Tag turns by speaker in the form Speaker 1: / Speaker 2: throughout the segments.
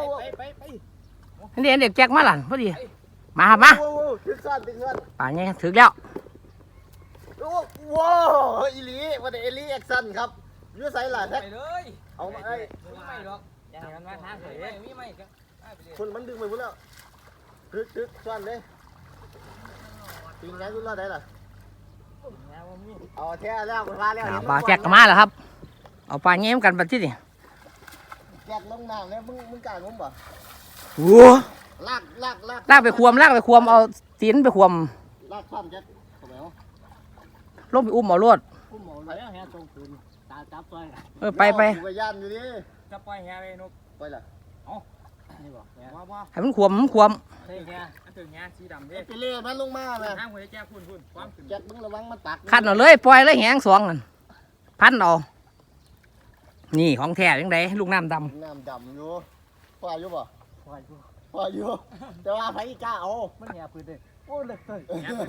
Speaker 1: นี่เด็กแจ็คมาหลันพอดีมาครับมาป่าไงถึงแล้ว
Speaker 2: ว้าวอีลีวันนี้เอลี่แอคชั่นครับยื้อใส่หลานแท็กเอามาไอ้
Speaker 3: ไม่หรอกอย่างนั้นมาทางเลยมีไม่ก็
Speaker 2: คนมันดึงไปหมดแล้วทึกส่วนเลยตีนไงคุณรอดได้ล่ะเอาแท้แล้วมาแล้ว
Speaker 1: ป่าแจ็คก็มาแล้วครับเอาป่าเงี้ยกันไปที่นี่
Speaker 2: แจ็คลงน้ำแล้วมึงกล้างมป่ะ
Speaker 1: โอ้ลากไปควมเอาตีนไปควม
Speaker 2: ลากความแจ็คเข้าไปเอา
Speaker 1: ลงไปอุ้มเอาลวด
Speaker 3: ไปแล้วแฮะตรงคืนตาจับตัว
Speaker 1: ไป
Speaker 2: กูย่านอยู่ดิ
Speaker 3: จะปล่อยแฮะเลยนุ๊ก
Speaker 2: ไปล่ะ
Speaker 3: นี่บอก
Speaker 1: ว่าให้มันควม
Speaker 3: เฮ้ยแฮะอันถึงแฮะสีดำเด้
Speaker 2: ไปเล่มันลงมาเลย
Speaker 3: ห้างหัวแจ๊คุณความขึ้น
Speaker 2: แจ็คมึงระวังมันตัก
Speaker 1: ขันเอาเลยปล่อยเลยแหงสองนั่นพันเอานี่ของแท้ยังไงลูกน้ำด
Speaker 2: ำอยู่ปล่อยอยู่ป่ะปล่อยอยู่แต่ว่าไผกล้าเอา
Speaker 3: มันแฮะพื้นเลยโอ้เล็กเลย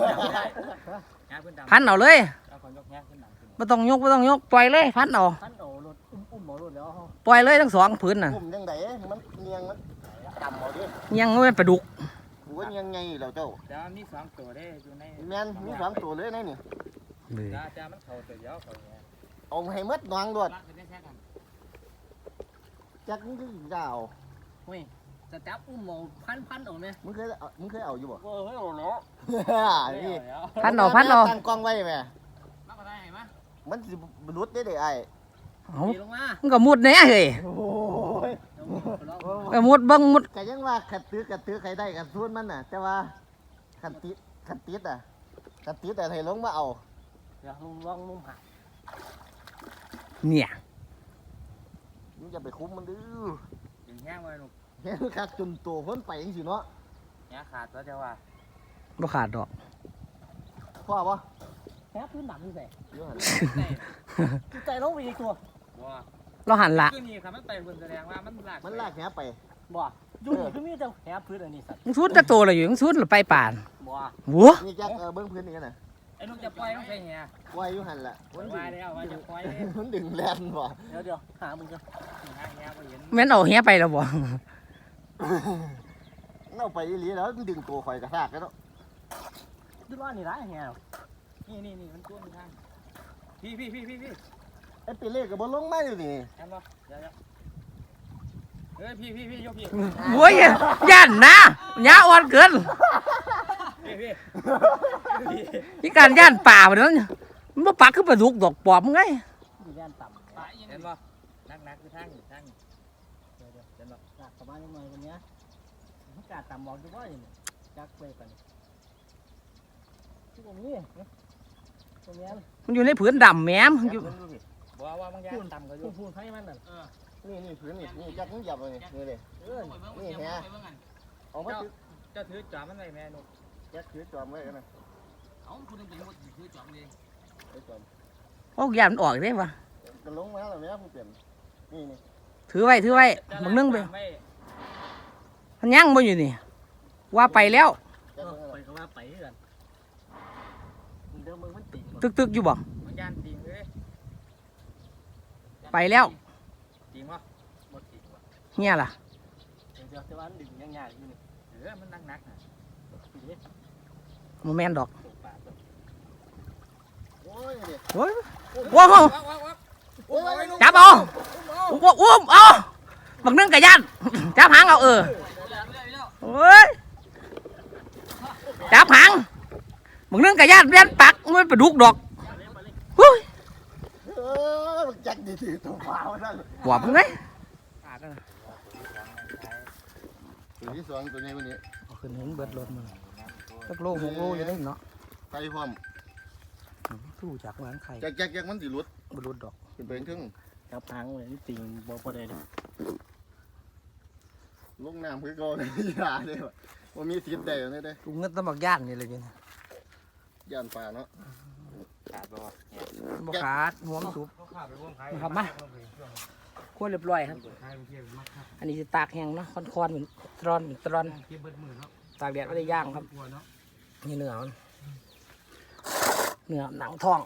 Speaker 1: พันเอาเลยไม่ต้องยกปล่อยเลยพันเอา
Speaker 3: รถอุ้มหมอรถแล้ว
Speaker 1: ปล่อยเลยทั้งสองพื้นน่ะ
Speaker 2: อุ้มยังไงมันเนียงมันดำเอาดิ
Speaker 1: เนียงมันปลาดุก
Speaker 2: กูว่ายังไงเราเจ้า
Speaker 3: เดี๋ยวมี2ตัวได้อยู่ใน
Speaker 2: แมนมี2ตัวเลยในนี่
Speaker 3: จะมันเข่าตัวเดียวเขาเนี่ย
Speaker 2: เอาให้มัดนางด้วยจักมึงคือยาว
Speaker 3: เฮ้ยจะจับอุ้มหมอพันออกไหม
Speaker 2: มึงเคยเอาอยู่บ่
Speaker 3: เฮ้ยโอ้โห
Speaker 2: นี่
Speaker 1: พันเอา
Speaker 2: ตั้งกล้องไว้ไหม
Speaker 3: มาก็ได้เห็นไหม
Speaker 2: มันสิบรุษได้ไอ้
Speaker 1: มันก็มุดเนี่ยเฮ้ยก็มุดบังมุด
Speaker 2: ก็ยังว่าขัดตื้อใครได้กันส่วนมันน่ะแต่ว่าขัดติดแต่ให้ลงมาเอา
Speaker 3: เดี๋ยวลองนุ่มหัก
Speaker 1: เนี่ย
Speaker 2: มึงจะไปคุ้มมันดื้อ
Speaker 3: แห้งไว้หนุก
Speaker 2: แห้งขาดจนตัวพ้นไปยังสิเนาะ
Speaker 3: แห้งขาดตัวเจ้าว่า
Speaker 1: บ่ขาดดอก
Speaker 2: พ่อปะ
Speaker 3: แห้งพื้นหนักที่ไหนใจลงไปอีกตัว
Speaker 1: เราหันละ
Speaker 3: คือนี่ครับมันไปบนแสดงว่ามันลาก
Speaker 2: แหไป
Speaker 3: บ่อยู่นี่คือมีแต่แหพื้นอันนี้สัตว์
Speaker 1: มึงสุดจะโตเลยอยู่มึงสุดหรือไปป่าน
Speaker 3: บ่
Speaker 1: วัว
Speaker 2: นี่จักเบิ้งพื้นนี่น่ะ
Speaker 3: ไอ้นุ่มจะปล่อยต้องใส่แห
Speaker 2: ปล่อยอยู่หันละ
Speaker 3: มันมาแล้วว่าจะปล่อย
Speaker 2: มันดึงแลนบ่
Speaker 3: เดี๋ยวหามึงก็หาแหบ่เห็น
Speaker 1: แม่นเอาแหไปแล้วบ่
Speaker 2: เอาไปอีหลีแล้วดึงตัวข่อยกระซากแล้ว
Speaker 3: ดูว่านี่ร้ายแหนี่มันตัวมันทางพี่
Speaker 2: ไอ้ปีเล่กับบอลลงมาอยู่นี่
Speaker 3: เห็นบ่เดี๋ยวเฮ้ยพี่ยกพี่
Speaker 1: โว้ยย่านนะย่าอ่อนเกินพี่การย่านป่าแบบนั้นมันบ่ปักคือปลาดุกดอกปอบไง
Speaker 3: ย่านต่ำเห็นบ่นักคือทางเดี๋ยวเห็นบ่หนักประมาณนี้หน่อยวันนี้มันกาดต่ำบอกดูว่าอย่างนี้จักไปกันที่ตรงนี้
Speaker 1: มันอยู่ในผืนดำแม้มอยู่
Speaker 3: ว่าบางอย่างต่ำก็อยู่พูนให้มันน่ะ
Speaker 2: นี่ผืนนี่จักมึงหยับเลยนี่เลยนี่แฮะเอามา
Speaker 3: จะถือจอมมันไว้แม่นุ๊ก
Speaker 2: จักถือจอมไว้กันนะ
Speaker 3: เอาคุณต้องเป็นคนถือจอมเอง
Speaker 1: โอ้ยมันออกได้ปะ
Speaker 2: จะลงมาแล้วแม่ผู้เปลี่ยนนี่
Speaker 1: ถือไว้มึงนึ่งไปมันยั่งบ่อยู่นี่ว่าไปแล้ว
Speaker 3: ไปก็ว่าไปกัน
Speaker 1: ตึกอยู่บ่ไปแล้วเนี่ยล่ะโมเมนต์ดอกว้าวจับเอาอุ้มเอาบักนึ่งกระยันจับหางเอาโอ้ยจับหางบักนึ่งกระยันเรียนปักมันไปดุกดอก
Speaker 2: จักดีตัวเปล่านั่น
Speaker 1: หวบไง
Speaker 2: ตัวที่2ตัวนี้วันนี้
Speaker 1: ขึ้นเห็นเบิดรถมันสักโล6 โลอยู่ได้เนาะ
Speaker 2: ไข่พร้อม
Speaker 1: สู้จากหลังไข่
Speaker 2: แจกมันสิรุด
Speaker 1: ดอก
Speaker 2: เป็นไปถึง
Speaker 3: จับหางเลยนี่ติงบอกประเดี๋ยว
Speaker 2: ลงน้ำคือก่อนอย่าเลยว่ามีสิทธิ์ได้เลยเด้
Speaker 1: กูเงินต้องบักย่านนี่เลยเนี่ย
Speaker 2: ย่านป่าเนาะ
Speaker 3: ขาด
Speaker 1: บ่ขาดหัวมันสุบครับมาคั่วเรียบร้อยครับอันนี้จะตากแห้งเนาะคอนเหมือนตรอนตากแดดไม่ได้ย่างครับนี่เนื้อหนังทอง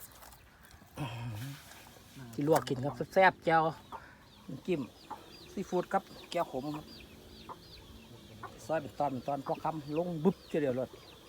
Speaker 1: ที่ลวกกินครับแซ่บๆแจ่วจิ้มซีฟู้ดครับแก้วขมครับซอยเป็นตอนพอคำลงบึ๊บเดียวรถ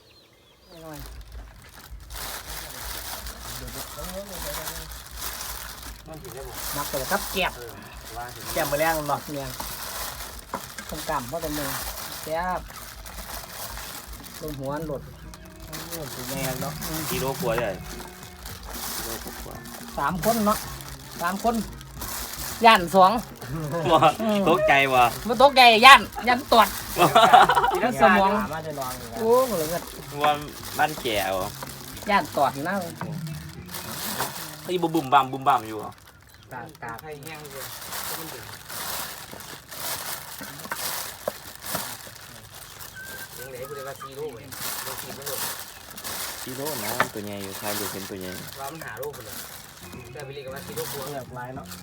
Speaker 1: มักแต่กับแกบ
Speaker 3: แก้มมือแรงมันบ่
Speaker 1: เนี่ยต้มกำเพราะเป็นหนึ่งแซ่บลงหัวหลด
Speaker 3: ถูกแม่เนาะ
Speaker 2: กิโลกว่าใหญ่กิโลกว่า
Speaker 1: 3 คนเนาะ3 คนย่าน2
Speaker 2: ตกใจว่ะ
Speaker 1: มันตกใจย่านตรวจ
Speaker 3: สมองมาจะนอน
Speaker 1: โอ้เหลือเงิน
Speaker 2: ว่าบ้านแก่วะ
Speaker 1: ย่านตรวจนะ
Speaker 2: ที่บุ่มบั่มอยู่อ่ะ
Speaker 3: ตา
Speaker 1: ให้แห้งเลยยังเหลือกูได้ว่า4 โลเลยเราขีดไม่หมด
Speaker 2: กิโลนะตัวใหญ่อยู่ใครดูเป็นตัวใหญ่
Speaker 1: ว่ามันหาโลไปเลยแต่ไปเรียกว่า4 โลกว่า
Speaker 3: เลือกลายเนาะ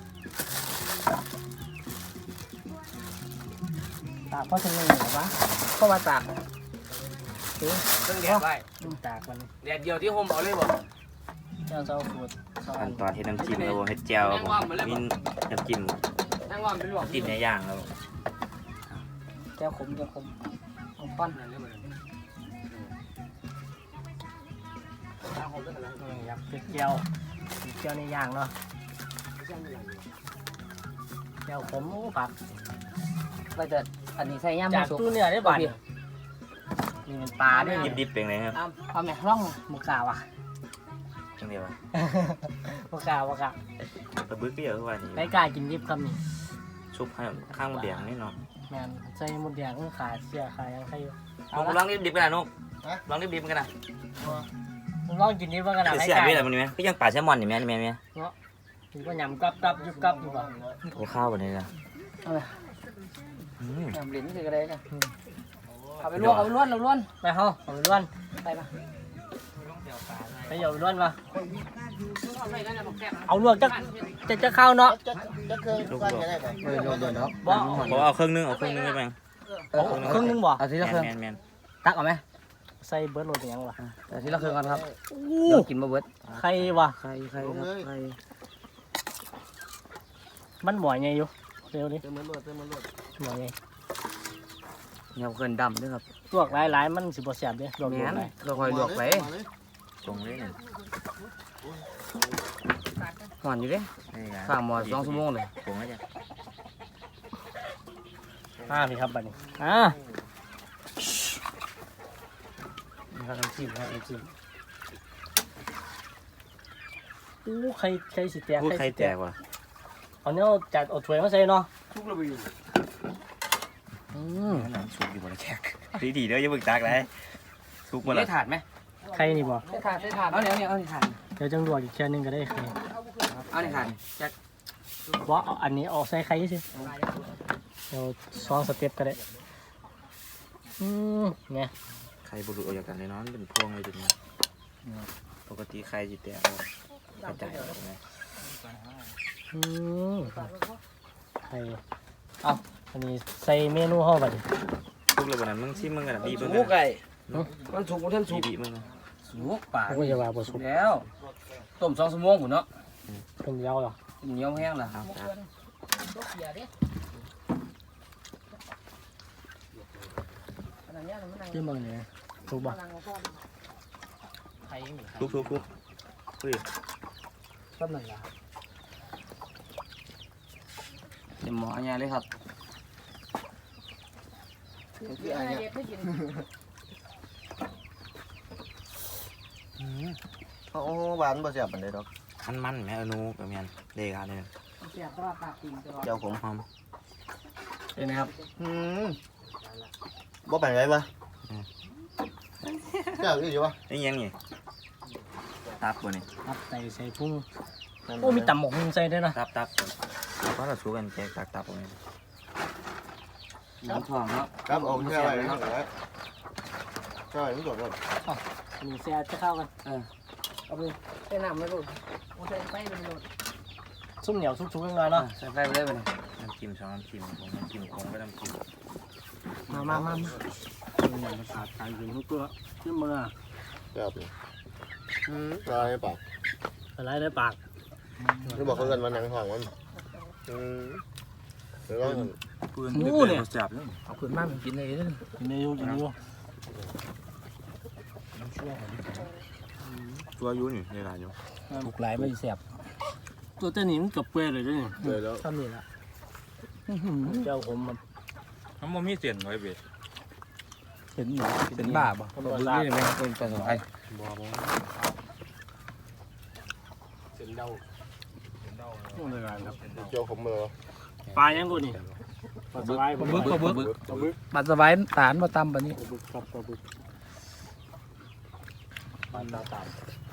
Speaker 1: ตากเพราะฉะนั้นเหรอวะเพราะว่าตาก
Speaker 3: เครื่องแดดไว้ตากมัน
Speaker 1: แดดเดียวที่โฮมเอาเลยบ่
Speaker 3: เจ้าเจ้าฟูด
Speaker 2: ขั้นตอนเฮ็ดน้ำจิ้มแล้วเฮ็ดแจ่วมีน้ำจิ้ม
Speaker 1: นั่งว่ามันเป็นหลวง
Speaker 2: จิ้มในย่างแล้ว
Speaker 1: แก้วขมเอาปั้น
Speaker 3: อยากเจียวในย่างเนาะเจียวผมผัก
Speaker 1: ไปแต่อันนี้ใส่ย่ำ
Speaker 3: จาก
Speaker 1: สุก
Speaker 3: ตู้เนื้อได้บ่นี่เป็นปลาด้วย
Speaker 2: ดิบๆเป็นไงครับ
Speaker 1: เอาแม่ร่องหมกสาวอ่ะ
Speaker 2: จังเดียว
Speaker 3: พวกกาวกะ
Speaker 2: ปลาบึกก็เยอะกว่านี้
Speaker 3: ไม่กล้ากินดิบคำนี้
Speaker 2: ชุบให้ข้างมดแดงนี่เนาะ
Speaker 3: แมนใส่หมดแดงขาเสียขายังใครอยู่
Speaker 2: ลองดิบๆกันนะนุ๊กลองดิบๆกันนะ
Speaker 3: ลองกินดิบว่ากันนะ
Speaker 2: คือ
Speaker 3: ไม่
Speaker 2: เสีย
Speaker 3: กล้า
Speaker 2: ไปอะไรมันนี่ไหมก็ยังปลาแซลมอนอยู่ไหมนี่ไหม
Speaker 3: กินก็ยำกับยุบกับอยู่บ่
Speaker 2: โอ้ข้าวแบบนี้นะ
Speaker 1: น้ำลิ้นคืออะไรเนี่ยเอาไปลวกเอาไปล้วนเราล้วน
Speaker 3: ไปเฮาเอาไปล้วน
Speaker 1: ไปมา
Speaker 3: ไปเอาไปล้วนมาเอาลวกจะเข้าเนาะ
Speaker 2: จะเครื่องก้อนจะได้ป่ะ
Speaker 1: โดนเนาะ
Speaker 3: บ่
Speaker 2: บอกเอาเครื่องนึงเอาเครื่องนึงได้ไหม
Speaker 3: ครึ่งนึงบ่
Speaker 1: เอาทีละเครื่อง
Speaker 2: แมน
Speaker 1: ตักเอาไหม
Speaker 3: ใส่เบิร์ดโรดยังวะ
Speaker 1: เอาทีละเครื่องก่อนครับเดี๋ยวกินมาเบิด
Speaker 3: ใครวะ
Speaker 1: ใครครับใคร
Speaker 3: มันหมวยไงอยู่เร็วดิ
Speaker 2: เติมมันรวด
Speaker 3: หมวยไง
Speaker 1: เงาเกินดำด้วยครับ
Speaker 3: ลวกหลายมันสิบ่แซ่บเด้ลวก
Speaker 1: แม่น
Speaker 3: หลาย
Speaker 1: เราคอยลวกไป
Speaker 2: ตรงเลยเนี่ย
Speaker 1: หอนอยู่เด้ข้างหมอ2 ชั่วโมงเลย
Speaker 2: ตรงแล้วจ้ะ
Speaker 3: พี่ครับบัดนี้นี่ครับน้ำจิ้มครับน้ำจิ้มอู้ใครสิแตก
Speaker 2: พูดใครแตกวะ
Speaker 3: เอาเนี้ยจัดเอาถ้วยมาใส่เนาะ
Speaker 2: น้ำซุปอยู่บนแขกดีเด้ออย่าบึกตักเลยซุปมาละ
Speaker 1: ได้ถาดไหม
Speaker 3: ใครนี่บ่
Speaker 1: ได้ถาดเอาเนี่ยเอาถาด
Speaker 3: เดี๋ยวจังลวกอีกแค่นึงก็ได้ใคร
Speaker 1: เอาเนี่ยถาดแจ็ค
Speaker 3: บ่เอาอันนี้เอาใส่ไข่สิเดี๋ยว2 สเต็ปก็ได้เนี่ย
Speaker 2: ใครบุรุษออกจากกันเลยเนาะเป็นพวงเลยจุดนี้ปกติใครจิแตกกระจายออกไง
Speaker 3: ไข่เอาอันนี้ใส่เมนูเฮาบัดนี้
Speaker 2: ทุกเลยวันนั้นมึงชิมมึงกันบีบมึง
Speaker 1: สุ
Speaker 2: กั
Speaker 1: กไก่มันสุกมันท่านสุก
Speaker 2: บีบมึง
Speaker 1: สุกป่า
Speaker 3: ผมก็จะว่าบ่สุก
Speaker 1: แล้วต้ม2 ชั่วโมงผมเนาะ
Speaker 3: ต้มยาวเหรอ
Speaker 1: เหนียวแห้งล่ะ
Speaker 2: ครับ
Speaker 3: เรื่องมึงเนี่ยถูกบ่
Speaker 2: ทุกเฮ้ย
Speaker 1: ต้มหนึ่งละเต็มหม้อเนี่ยเลยครับคืออะไรเนี่ย
Speaker 2: โอ้หวานบ่เสียบปานใดดอกมันแม่อนูกับแม่นเด็กอ่ะเนี่ย
Speaker 1: เสียบตลอดปากติ่งตลอด
Speaker 2: เจ้าผมหอม
Speaker 1: เป็นไงครับ
Speaker 2: บ่เป็นไรวะเจ้าอยู่วะนี่ยังนี่ตับบ่นี่
Speaker 3: ครับใส่พุ่งโอ้มีตำหมกใส่ด้วยนะ
Speaker 2: ตับเพราะเราสู้กันแจกตับบ่นี่
Speaker 1: น้ำทองเนาะ
Speaker 2: ครับเอาแค่อะไรครับใช่ไม่จบเลย
Speaker 3: อันนี้แซ่จะเข้ากัน
Speaker 1: เอาไปใส่น้ำไม่รู้ใส่ไฟไปเลย
Speaker 3: ซุ่มเหนียวซุ่มๆกันเนาะ
Speaker 1: ใส่ไฟไปเลยไปเลย
Speaker 2: น้ำจิ้ม2น้ำจิ้มน้ำจิ้มคงก็น้ำจิ้ม
Speaker 3: มาเนี่ยมันขาดการกินทุกตัวขึ้นมือ
Speaker 2: ครับอะไรปาก
Speaker 3: อะไรได้ปาก
Speaker 2: นี่บอกเขาเงินมาหนังห้องมันหรือว่า
Speaker 4: ปืนเนี่ยจับแล้ว
Speaker 1: เอาขึ้นมามันกินเลยเด้อ
Speaker 3: กินได้อยู่กินได้อยู่
Speaker 4: ตัวอยู่นี่ในร้านอยู่
Speaker 1: ถูกหลายไม่แซ่บ
Speaker 3: ตัวเจ้านี่มันกับเปื่อยเลยนี่
Speaker 2: เลยแล้ว
Speaker 1: เท่านี้ละ
Speaker 3: เจ้าผมมัน
Speaker 4: มันบ่มีเสียนไว้เบ็ด
Speaker 1: เป็นบ้าบ่บ่รู้นี่แม่งเป็นปลาสวาย
Speaker 3: เป็นเดาเลยครับ
Speaker 2: เจ้าผมเลย
Speaker 3: ปลายังกูนี่ปลาสบาย
Speaker 1: ปลาบึกปลาสวายตาลมาตำปะนี้
Speaker 3: ปลาบึกครับปลาบึกปลาตาตาม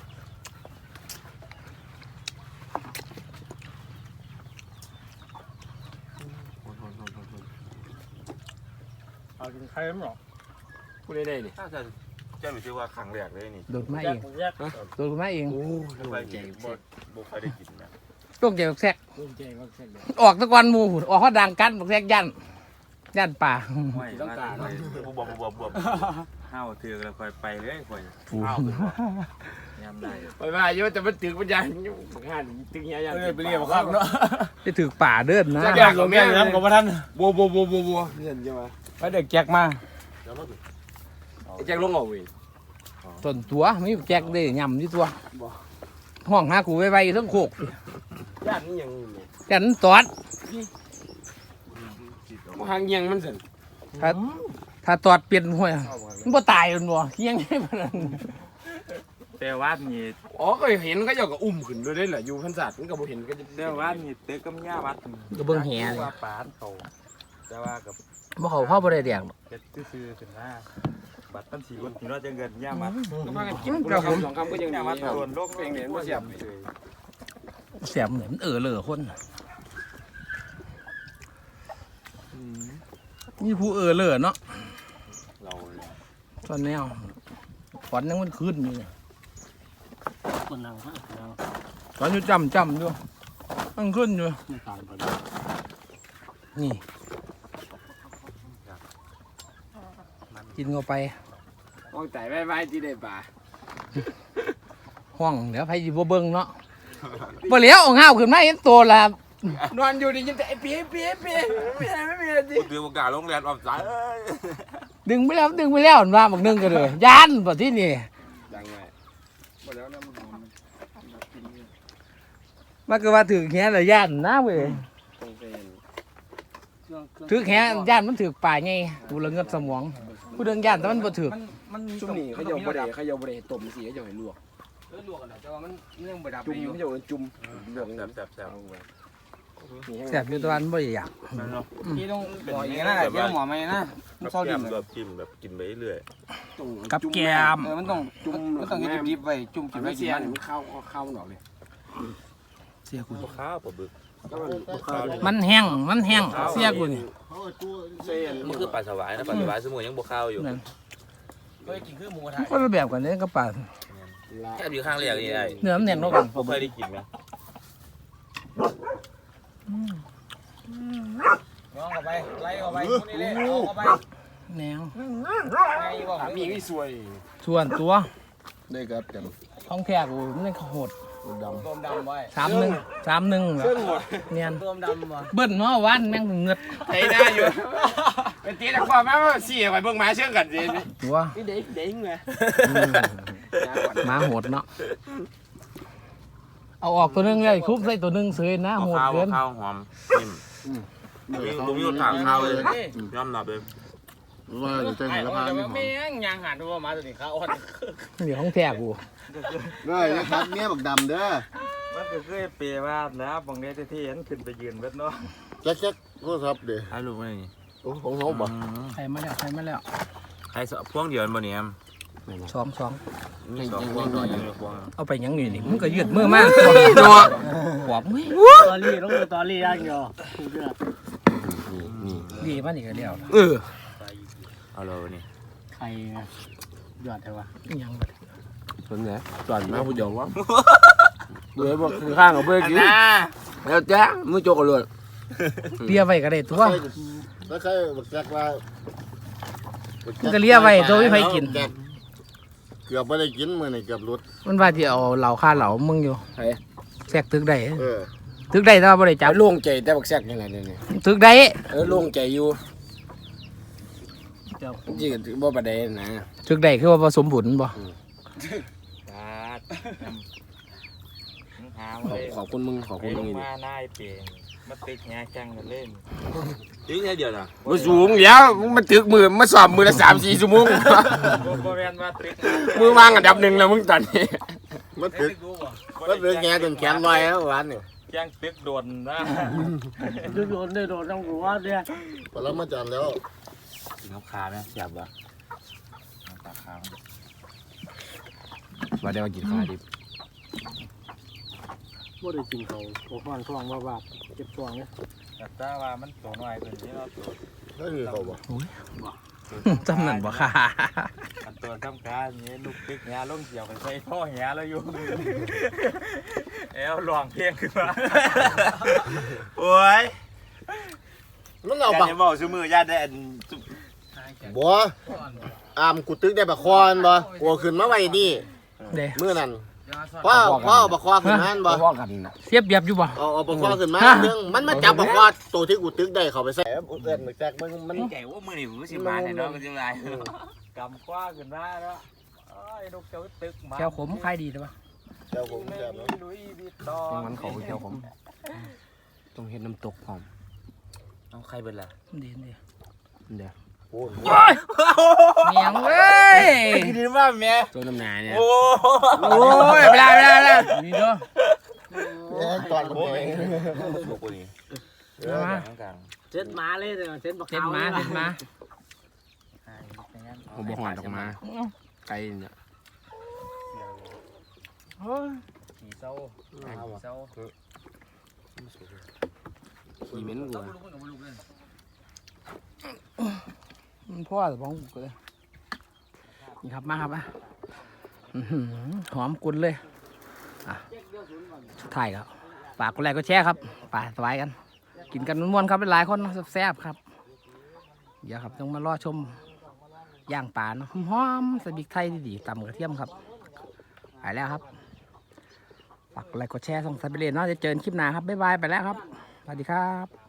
Speaker 3: เอากินไข่มั้งหรอกูได้นี่
Speaker 4: ถ้าจะเจ้าหนูชื่อว่าครั้งแรกเลยนี่
Speaker 1: โดดมา
Speaker 3: แย
Speaker 1: เอก ง
Speaker 3: แยก
Speaker 1: โดดมาเอง
Speaker 4: ไปกินบ่เคยได้กินนะ
Speaker 1: ลูกใหญ่บักแซก
Speaker 3: ลูกใจมากแค่ไหน
Speaker 1: ออกตะกอนหมูหุ่นออกเขาดังกันบักแซกยันป่า
Speaker 4: ไม่ต้องการบวบห้าวถือแล้วค่อยไปเลยค่อย
Speaker 1: ฟู
Speaker 4: ยามได้
Speaker 3: ไปว่าเยอะแต่มันตึกมันใหญ่งานตึกใหญ่ใหญ่ไปเรียกมาข้างเนาะ
Speaker 1: จะถือป่าเดินนะ
Speaker 3: แจกของแม่ครับกับท่านบัวเห็นใช่ไหมไปเด็กแจกมาแจกลงเอาเว้ย
Speaker 1: ส่วนตัวไม่แจกได้ยำที่ตัวห้องหากูไว้ๆทั้งโคก
Speaker 3: ญาตินี่ยัง
Speaker 1: จันตอด
Speaker 3: หางยังมันสิ
Speaker 1: ถ้าตอดเปลี่ยนหัวมันบ่ตายมันบ่เฮียงให้มัน
Speaker 4: แต่ว่านี่
Speaker 3: อ๋อก็เห็นก็อยากกับอุ้มขึ้นด้วยได้เหรออยู่พันศาสตร์มันก็บ่เห็นก็จะ
Speaker 4: แต่ว่านี่เต็กกำย่าวัด
Speaker 1: ก็เบิ่งแห
Speaker 4: ว่าปานเขาแต่ว่ากับ
Speaker 1: บ่เขาเข้าบ่ได้แดก
Speaker 4: เฮ็ดซื่อๆถึงหน้าบัตรตั้ง4คนที่เราจะเงินย่ามัด
Speaker 3: ก็มากันกินเราคำสองคำก็ยัง
Speaker 4: ย่ามัดโดนโรค
Speaker 3: เพลงเนี่ยมันเสียบ
Speaker 1: เสียมเหมือนมันเหลือคนนี่ผู้เหลือเนาะ
Speaker 4: เรา
Speaker 1: ตอนแนวฝันยังมันขึ้นอยู่
Speaker 3: คนนั่งฮะนั่ง
Speaker 1: ตอนอยู่จำอยู่มันขึ้นอยู่
Speaker 3: ไม่ตายไป
Speaker 1: นี่กินเข้าไป
Speaker 3: มองแต่ไว้ที่ได้ป่า
Speaker 1: ห้องเดี๋ยวไผสิบ่เบิ่งเนาะบ่เหลียวเอาง่าวขึ้นมาเห็นตัวละ
Speaker 3: นอนอยู่ดียินแต่ไอ้ปีไม่มีอะไรดิ
Speaker 4: ถือโอกาสลงแรงออมสาย
Speaker 1: ดึงไปแล้วมันว่าบักนึงก็เลยย่านบ่ที่นี่
Speaker 3: ดังไงหมดแล้วนะมัน
Speaker 1: มันก็ว่าถือแขนแล้วย่านนะเว้ย
Speaker 3: ต้องเป็น
Speaker 1: ถือแขนย่านมันถือป่าไงกูละเงิดสมองผู้เดินย่านแต่มันบ่ถือ
Speaker 3: จุ่มนี่เขาโยบดเขาโยบดต้มสีเขาโยให้ลวกลวกกันแต่ว่ามันยังบดับจุ่มเขาโยจุ่มลวก
Speaker 4: แซ่บ
Speaker 1: แซ่บอยู่แตะวันบ่อยาก
Speaker 3: นี่ต้องบอกอย่างนั้นที่ต้องหมอไหมนะมัน
Speaker 4: ๆ
Speaker 3: เศร้าดิ่ง
Speaker 4: แบบจิ้มแบบกินไปเรื่อย
Speaker 1: กับแกม
Speaker 3: มันต้องจุ่มมันต้องดิบไว้จุ่มกินไว้กินมันเข้าหนอกเลย
Speaker 1: เสียกู
Speaker 4: ข้าวปลาบึก
Speaker 1: มันแห้งเสียกูนี่
Speaker 4: มันคือปลาสวายนะปลาสวายสมุนยังบวข้าวอยู่
Speaker 1: นั่น
Speaker 3: เฮ้ยกินคือหมูกระทะ
Speaker 1: คนละแบบกันเลยกับป่า
Speaker 4: แค่อยู่ข้างเรียกนี่ไอ้
Speaker 1: เนื้อมันแน่นกว่ากัน
Speaker 4: ผมเคยได้กินไหม
Speaker 3: น้องเข้าไปไล่เข้าไปคนนี้เลยเข้าไป
Speaker 1: แนว
Speaker 3: ไงบอกมีไม่สวย
Speaker 1: ส่วนตัว
Speaker 2: ได้ครับเต็ม
Speaker 1: ของแท้กูมันโหด
Speaker 2: ดำ
Speaker 3: ต้มดำไว้
Speaker 1: 3-1แบบเนียน
Speaker 3: ต้มดำวะ
Speaker 1: เบิ้ลเนาะวันแม่งเงือด
Speaker 3: ไอ้หน้าอยู่เป็นตีตะควาแม่ว่าสี่ไปเบิ่งมาเชื่อกันสิ
Speaker 1: ตัว
Speaker 3: นี่เด็กเด็กไง
Speaker 1: หมาโหดเนาะเอาออกตัวนึงเลยคุบใส่ตัวนึงเสยนะโหด
Speaker 4: ข้าว
Speaker 1: เกิน
Speaker 4: ข้าวหอมนิ่มผมมีคนถามข้าวเลยยอมรับเลย
Speaker 2: ว่าจะเจอหัวละพานนี่หอม
Speaker 3: แม่งยางหันตัวมาตัวนี้ข้าวอ่อน
Speaker 1: เดี๋ยวของแท้กู
Speaker 2: ได้นะครับเมียบักดำเด้อ
Speaker 4: มันก็เคยเปย์ว่านะบางเนี้ยที่เห็นขึ้นไปยืนเบ็ดเนาะ
Speaker 2: แจ๊กโทรศัพท์เด้อ
Speaker 4: ถ่ายรูปไว้นี่
Speaker 2: โอ้ของเขาบ่
Speaker 1: ใครมาแล้ว
Speaker 4: ใครพวงเดียวบ่เนี่ย
Speaker 1: สอง
Speaker 4: มี2พวงด้วยพวง
Speaker 1: เอาไปยังอยู่นี่มึงก็ยืดมือมากเนาะหวบมึง
Speaker 3: ตอรี่ต้องดูตอรี่ย่างเดียว
Speaker 1: ดีมันอีกแล้ว
Speaker 4: เอาเลยนี่
Speaker 3: ใครหยอดเถอะวะ
Speaker 1: ยัง
Speaker 2: คนไหนจอดมาผู้เดียววะเบื่อบอกคือข้างกับเบื่อกินแล้วจ้ามือโจกกันเลย
Speaker 1: เลียไว้ก็ได้ตัว
Speaker 2: แล้วใครบักแจ๊กว่า
Speaker 1: มันก็เลียไว้ตัวไม่ไผกิน
Speaker 2: เกือบไม่ได้กินมื้อนี่เกือบหลุด
Speaker 1: มันว่าที่เอาเหล่าค่าเหล่ามึงอยู่แทรกตึกได้
Speaker 2: เออ
Speaker 1: ถึกได้แต่ว่าบ่ได้จับ
Speaker 2: โล่งใจแต่บักแซกยังไงเนี่ย
Speaker 1: ถึกได้
Speaker 2: โล่งใจอยู่
Speaker 3: เจ้า
Speaker 2: จริงๆบ่ประเด็นนะ
Speaker 1: ถึกได้คือว่าผสมผลบ่
Speaker 4: บาดหามาเลย
Speaker 2: ขอบคุณมึงขอบคุณมึง
Speaker 4: มาหน้าเปลี่ยนมาตึกแง่แข่งกันเล่นตึกแค่เดียวนะ
Speaker 2: มาสูงแล้วมันตึกมือมาสอบมือละ3-4 ชั่วโมง
Speaker 4: บ่แม่นว่าตึก
Speaker 2: มือวางอันดับ1แล้วมึงตอนนี้มันตึกแง่จนแขนลอยแล้ววันนี้
Speaker 4: แข่งตึกโดนนะ
Speaker 3: โดนได้โดนต้องหัวเนี่ย
Speaker 2: พอแล้วมาจันแล้ว
Speaker 4: กินข้าวขาไหมอยากบ่ข้าวขา
Speaker 2: ว่าได้ว่ากินข้าวดิบ
Speaker 3: บ่ได้กินเขาโอ้ฟันท้องว่าบาดเจ็บท้องเนี่ย
Speaker 4: แต่ถ้าว่ามันตัวน้อยเป็นที่เราตัว
Speaker 2: นั่นคือเขาบ่
Speaker 1: จำนั่นบ่ค่ะ
Speaker 4: อันตัวทำการนี้ลูกตึกแง่ลงเกี่ยวไปใส่พ่อแง่แล้วอยู่ลองเพลงขึ้นมาโอ้ย
Speaker 2: มันเอา
Speaker 4: อย่า
Speaker 2: บัก
Speaker 4: จะบอกชื่อมือญาติได้อัน
Speaker 2: บ่อามกูตึกได้บักคอนบ่กูขึ้นมาไว้นี่
Speaker 1: เด้
Speaker 2: มื้อนั้นพ่อบักคอขึ้นมาบ่
Speaker 3: พ่อกันน่ะ
Speaker 1: เสียบเบียบอยู่บ่
Speaker 2: เอาบักคอขึ้นมาเรื่องมันมาจับบักคอตัวที่กูตึกได้เข้าไปใส่เอื้อนแซกมัน
Speaker 4: ใจว่ามือนี่ผมสิมาเนี่ยเนาะมันจะไรกำคว้าขึ้นมาแล้วไอ้ลูกเจ้าตึกมา
Speaker 1: แก้วขมคล้ายดีหรือเปล่า
Speaker 2: เจ้าผมแซ่บเนาะ
Speaker 4: ลุยบิดตอ
Speaker 2: มันเขาเจ้าผมต้องเฮ็ดน้ำตกพร้อม
Speaker 4: เอาใครเป็นล่ะ
Speaker 1: ดีดี
Speaker 2: เดี๋ยวโอ้
Speaker 1: เมียงเว้ย
Speaker 4: ดีมากแม่
Speaker 2: ตัวน้ำหนาเนี่ย
Speaker 4: โอ้
Speaker 1: โอ้ยไม่ได้นี่เด้อ
Speaker 2: ตอนผม
Speaker 4: ลูกคนนี้
Speaker 1: มา
Speaker 3: เจ็ดหมาเลยเด้อเจ็ดบัก
Speaker 1: เส้น
Speaker 3: ขาว
Speaker 1: มาเส้นมา
Speaker 2: ผมบ่หอนออกมาไกลเนี่ย
Speaker 1: โอ้ย
Speaker 4: ขี่เศร้าขี่เศร้า
Speaker 2: ขี่เหม็นกู
Speaker 1: มันพ่อแต่บ้องกูเลยนี่ครับมาครับอ่ะอื้อหือหอมกุนเลยอ่ะสุดท้ายครับฝากกดไลค์กดแชร์ครับไปสบายกัน กินกันม่วนๆครับหลายๆคนเนาะแซ่บๆครับเดี๋ยวครับต้องมารอชมย่างปลาเนาะหอมๆใส่พริกไทยดีๆตำกระเทียมครับไปแล้วครับฝากกดไลค์กดแชร์ส่งสายไปเรียนเนาะจะเจอกันคลิปหน้าครับบ๊ายบายไปแล้วครับสวัสดีครับ